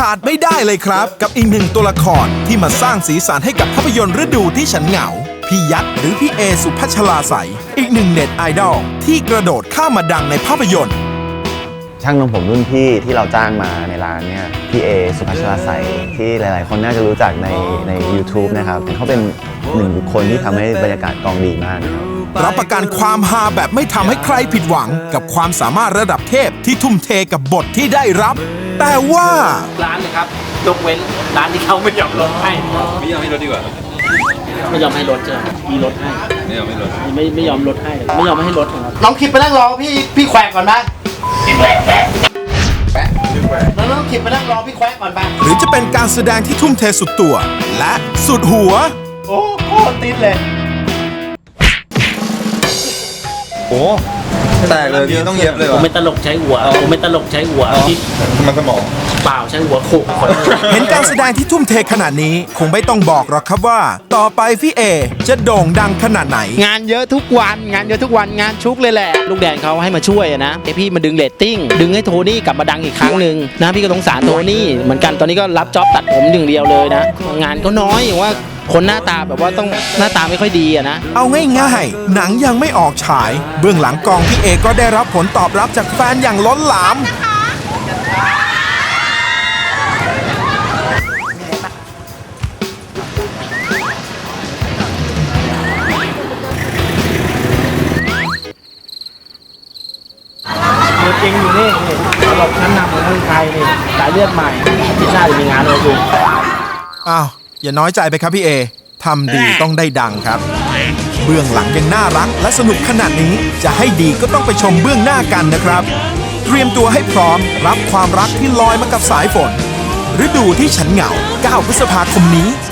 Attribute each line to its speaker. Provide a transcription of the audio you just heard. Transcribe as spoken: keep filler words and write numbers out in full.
Speaker 1: ขาดไม่ได้เลยครับกับอีกหนึ่งตัวละครที่มาสร้างสีสันให้กับภาพยนตร์ฤดูที่ฉันเหงาพี่ยักษ์หรือพี่เอสุพัชราใสอีกหนึ่งเน็ตไอดอลที่กระโดดข้ามมาดังในภาพยนตร์
Speaker 2: ช่างนมผมรุ่นพี่ที่เราจ้างมาในร้านเนี่ยพี่เอสุพัชราใสที่หลายๆคนน่าจะรู้จักในใน ยูทูบ นะครับเขาเป็นหนึ่งบุคคลที่ทำให้บรรยากาศกองดีมากนะครับ
Speaker 1: รับประกันความฮาแบบไม่ทำให้ใครผิดหวังกับความสามารถระดับเทพที่ทุ่มเทกับบทที่ได้รับแต่ว่า
Speaker 3: ร้านเลยครับยกเว้นร้านที่เขาไม่ยอมลดให้
Speaker 4: ไม่ยอมให้ลดดีกว่า
Speaker 3: ไม่ยอมให้ลดเจอมีลดให้
Speaker 4: ไม่ยอมให้ลด
Speaker 3: ไม่ไม่ยอมลดให้ไม่ยอมให้ลดครับ
Speaker 5: น้องคิดไปนั่งรอพี่พี่แขวกก่อนนะน้องน้องคิดไปนั่งรอพี่แขวกก่อนไป
Speaker 1: หรือจะเป็นการแสดงที่ทุ่มเทสุดตัวและสุดหัว
Speaker 5: โอ้โคตรติดเลย
Speaker 4: โอ้แตกเลยพี่ต้องเย็บเลย
Speaker 3: ผมไม่ตลกใช้หัวผมไม่ตลกใช้หัวที่
Speaker 4: มันสมอง
Speaker 3: เปล่าใช้หัวโขกคน
Speaker 1: เห็นการแสดงที่ทุ่มเทขนาดนี้คงไม่ต้องบอกหรอกครับว่าต่อไปพี่เอจะโด่งดังขนาดไหน
Speaker 5: งานเยอะทุกวันงานเยอะทุกวันงานชุกเลยแหละ
Speaker 3: ลูกแดนเขาให้มาช่วยนะไอพี่มาดึงเรตติ้งดึงให้โทนี่กลับมาดังอีกครั้งหนึ่งนะพี่ก็สงสารโทนี่เหมือนกันตอนนี้ก็รับจ็อบตัดผมหนึ่งเดียวเลยนะงานก็น้อยอย่างว่าคนหน้าตาแบบว่าต้องหน้าตาไม่ค่อยดีอะนะ
Speaker 1: เอาง่ายๆหนังยังไม่ออกฉายเบื้องหลังกองพี่เอก็ได้รับผลตอบรับจากแฟนอย่างล้นหลาม
Speaker 3: ตัวจริงอยู่นี่ตลกชั้นนำของเมืองไทยนี่สายเลือดใหม่ที่น่าจะมีงานเลยคุณ
Speaker 1: อ้าวอย่าน้อยใจไปครับพี่เอทำดีต้องได้ดังครับเบื้องหลังยังน่ารักและสนุกขนาดนี้จะให้ดีก็ต้องไปชมเบื้องหน้ากันนะครับเตรียมตัวให้พร้อมรับความรักที่ลอยมากับสายฝนฤดูที่ฉันเหงาเก้าพฤษภาคมนี้